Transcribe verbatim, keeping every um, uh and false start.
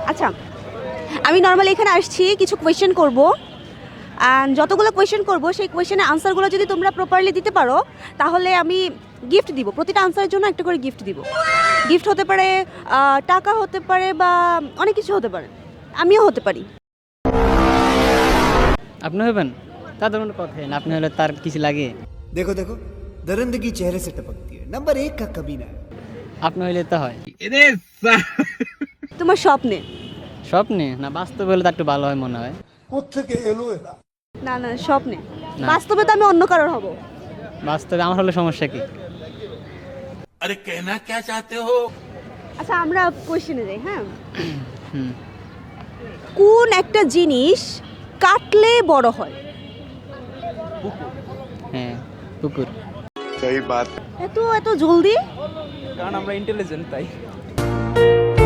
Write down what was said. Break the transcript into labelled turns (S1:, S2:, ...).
S1: আচ্ছা, আমি নর্মালি এখানে আসছি কিছু কোয়েশ্চেন করব, অ্যান্ড যতগুলো কোয়েশ্চেন করব সেই কোয়েশ্চেনের আনসারগুলো যদি তোমরা প্রপারলি দিতে পারো তাহলে আমি গিফট দিব। প্রতিটা আনসারের জন্য একটা করে গিফট দিব। গিফট হতে পারে আহ, টাকা হতে পারে বা অনেক কিছু হতে পারে, আমিও হতে পারি।
S2: আপনি হবেন? তাদের কোনো কথাই না, আপনি হলে তার কিছু লাগে।
S3: देखो देखो दरिंदगी चेहरे से टपकती है नंबर एक का कमीना है
S2: আপনি হইলে তো হয়।
S1: তোমার স্বপ্নে?
S2: স্বপ্নে না, বাস্তবে হলে তো একটু ভালো হয় মনে হয়।
S1: না না, স্বপ্নে।
S2: না।
S1: বাস্তবে তো আমি অন্য কারোর হব।
S2: বাস্তবে আমার হলে সমস্যা কি?
S4: अरे कहना क्या चाहते हो?
S1: আচ্ছা, আমরা কোয়েশ্চেনে যাই। হ্যাঁ,
S2: হুম।
S1: কোন একটা জিনিস কাটলে বড় হয়?
S2: হ্যাঁ, কুকুর।
S1: এত এত জলদি?
S5: কারণ আমরা ইন্টেলিজেন্ট তাই